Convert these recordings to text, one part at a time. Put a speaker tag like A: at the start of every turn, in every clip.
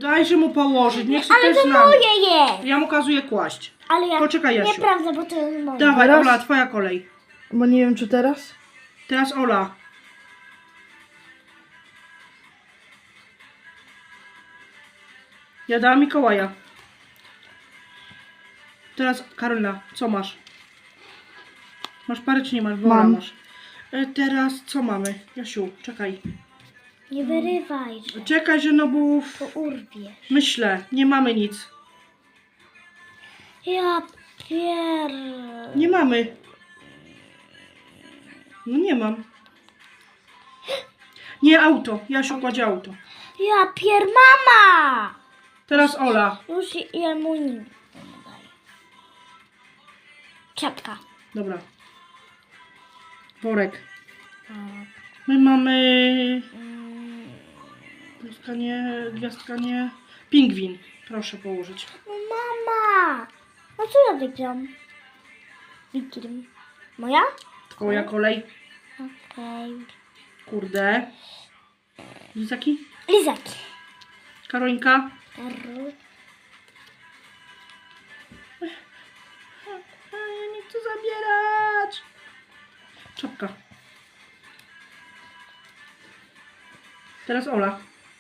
A: Dajże mu położyć, niech sobie
B: Ale
A: też
B: to
A: znam.
B: moje jest.
A: Ja mu kazuję kłaść.
B: Ale ja...
A: Poczekaj, Jasiu.
B: Nieprawda, bo to jest moje.
A: Dawaj,
C: Teraz?
A: Ola, twoja kolej.
C: Bo nie wiem, czy teraz?
A: Teraz Ola. Ja dałam Mikołaja. Teraz Karolina, co masz? Masz parę czy nie masz? Bo Ola
C: Mam.
A: masz. Teraz co mamy? Jasiu, czekaj.
B: Nie wyrywaj, że
A: Czekaj, że no bo
B: to urwiesz.
A: myślę, nie mamy nic.
B: Ja
A: Nie mamy. No nie mam. Nie, auto. Jasiu kładzie auto.
B: Ja mama!
A: Teraz Ola.
B: Już jemu nic nie daję. Czapka.
A: Dobra. Worek. My mamy... Gwiazdka nie, gwiazdka nie. Pingwin. Proszę położyć.
B: No mama! No co ja wygram? Wygram. Moja?
A: Twoja kolej.
B: Okej.
A: Kurde. Lizaki?
B: Lizaki.
A: Karolinka? Ja nie chcę zabierać. Czapka. Teraz Ola.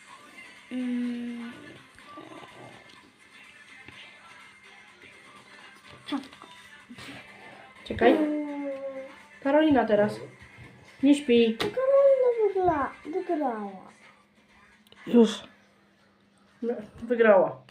B: Czapka.
A: Czekaj. Karolina teraz. Nie śpi.
B: Karolina wygrała.
C: Już.
A: Wygrała.